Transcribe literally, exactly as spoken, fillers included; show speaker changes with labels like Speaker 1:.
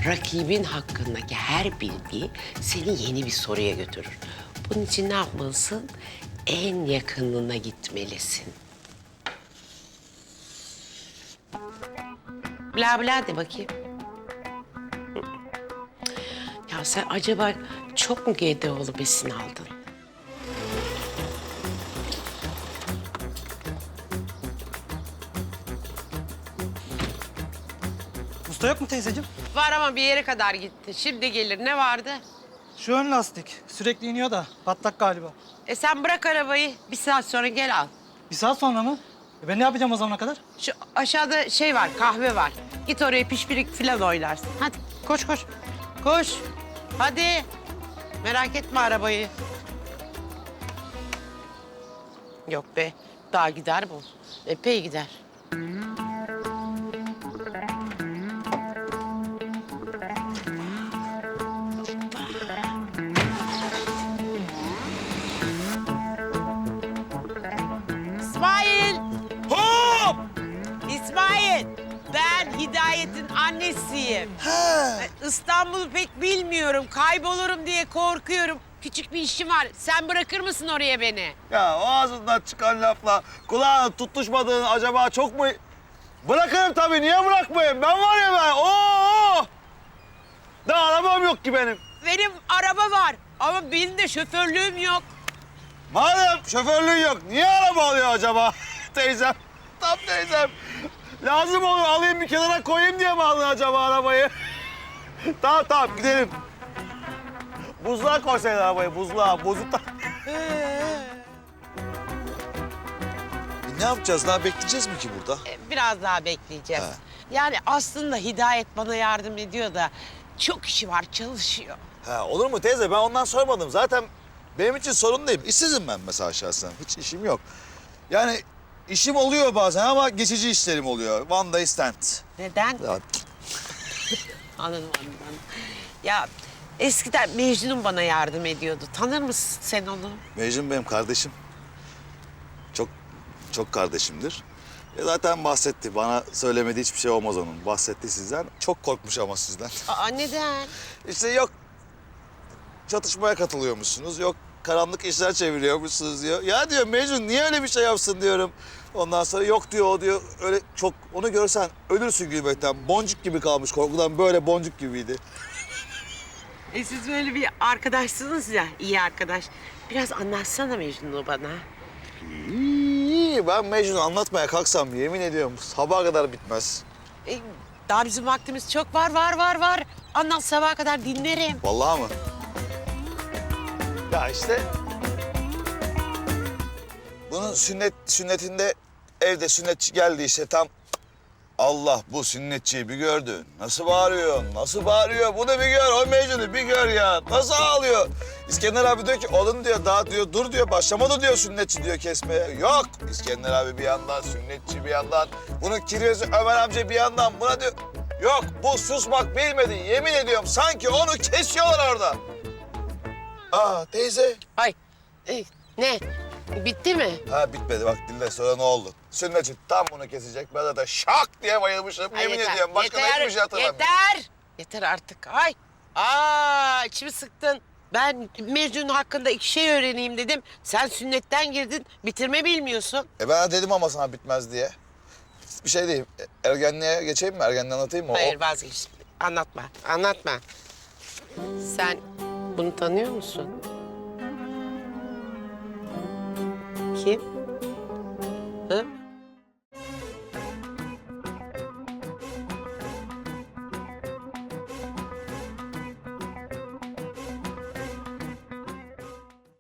Speaker 1: rakibin hakkındaki her bilgi seni yeni bir soruya götürür. Bunun için ne yapmalısın? En yakınına gitmelisin. Bla bla de bakayım. Ya sen acaba çok mu G D O'lu besin aldın?
Speaker 2: Usta yok mu teyzeciğim?
Speaker 1: Var ama bir yere kadar gitti. Şimdi gelir. Ne vardı?
Speaker 2: Şu ön lastik sürekli iniyor da patlak galiba.
Speaker 1: E sen bırak arabayı. Bir saat sonra gel al.
Speaker 2: Bir saat sonra mı? E ben ne yapacağım o zamana kadar?
Speaker 1: Şu aşağıda şey var, kahve var. Git oraya pişpirik falan oynarsın. Hadi koş koş. Koş. Hadi. Merak etme arabayı. Yok be. Daha gider bu. Epey gider. İsmail!
Speaker 3: Hop!
Speaker 1: İsmail! Ben Hidayet'in annesiyim.
Speaker 3: He.
Speaker 1: İstanbul'u pek bilmiyorum. Kaybolurum diye korkuyorum. Küçük bir işim var. Sen bırakır mısın oraya beni?
Speaker 3: Ya o ağzından çıkan lafla kulağına tutuşmadığın acaba çok mu... Bırakırım tabii, niye bırakmayayım? Ben var ya ben, oo! Daha arabam yok ki benim.
Speaker 1: Benim araba var ama benim de şoförlüğüm yok.
Speaker 3: Madem şoförlüğün yok, niye araba alıyor acaba teyzem? Tam teyzem. Lazım olur, alayım bir kenara koyayım diye mi aldın acaba arabayı? Tamam tamam, gidelim. Buzluğa koysaydın arabayı, buzluğa, buzlukta.
Speaker 4: Ne yapacağız? Daha bekleyeceğiz mi ki burada?
Speaker 1: Ee, Biraz daha bekleyeceğiz.
Speaker 4: Ha.
Speaker 1: Yani aslında Hidayet bana yardım ediyor da çok işi var, çalışıyor.
Speaker 4: Ha, olur mu teyze? Ben ondan sormadım. Zaten benim için sorun değil. İşsizim ben mesela şahsen. Hiç işim yok. Yani işim oluyor bazen ama geçici işlerim oluyor. One day stand.
Speaker 1: Neden?
Speaker 4: Ya,
Speaker 1: Anladım, anladım. Ya eskiden Mecnun bana yardım ediyordu. Tanır mısın sen onu?
Speaker 4: Mecnun benim kardeşim. Çok, çok kardeşimdir. E zaten bahsetti. Bana söylemediği hiçbir şey olmaz onun. Bahsetti sizden. Çok korkmuş ama sizden.
Speaker 1: Aa, neden?
Speaker 4: İşte yok çatışmaya katılıyormuşsunuz, yok karanlık işler çeviriyormuşsunuz diyor. Ya diyor Mecnun niye öyle bir şey yapsın diyorum. Ondan sonra yok diyor o diyor öyle çok onu görsen ölürsün gülmekten. Boncuk gibi kalmış korkudan böyle boncuk gibiydi.
Speaker 1: E siz böyle bir arkadaşsınız ya, iyi arkadaş. Biraz anlatsana Mecnun'u bana.
Speaker 4: İyi, ben Mecnun'u anlatmaya kalksam yemin ediyorum sabaha kadar bitmez.
Speaker 1: E, daha bizim vaktimiz çok var, var, var, var. Anlat sabaha kadar dinlerim.
Speaker 4: Vallahi mı?
Speaker 3: Ya işte
Speaker 4: Bunun sünnet sünnetinde evde sünnetçi geldi işte tam. Allah bu sünnetçiyi bir gördü. Nasıl bağırıyor, nasıl bağırıyor. Bunu bir gör, o Mecnun'u bir gör ya. Nasıl ağlıyor. İskender abi diyor ki oğlum diyor daha diyor dur diyor başlamadı diyor sünnetçi diyor kesmeye. Yok İskender abi bir yandan, sünnetçi bir yandan. Bunun kiryesi Ömer amca bir yandan buna diyor. Yok bu susmak bilmedi yemin ediyorum sanki onu kesiyorlar orada. Aa teyze.
Speaker 1: Ay, e, ne? Bitti mi?
Speaker 4: Ha bitmedi bak dinle sonra ne oldu? Sünnetçi tam bunu kesecek. Ben zaten şak diye bayılmışım.
Speaker 1: Ay,
Speaker 4: Yemin
Speaker 1: yeter,
Speaker 4: ediyorum başka da
Speaker 1: yeter,
Speaker 4: hiçbir şey hatırlamıyorum.
Speaker 1: Yeter! Yeter artık. Ay! Aa, içimi sıktın. Ben Mecnun hakkında iki şey öğreneyim dedim. Sen sünnetten girdin, bitirme bilmiyorsun.
Speaker 4: E ben dedim ama sana bitmez diye. Bir şey diyeyim. e, Ergenliğe geçeyim mi? Ergenliği anlatayım mı?
Speaker 1: Hayır,
Speaker 4: O-
Speaker 1: vazgeç. Anlatma, anlatma. Sen bunu tanıyor musun? Kim? Hı?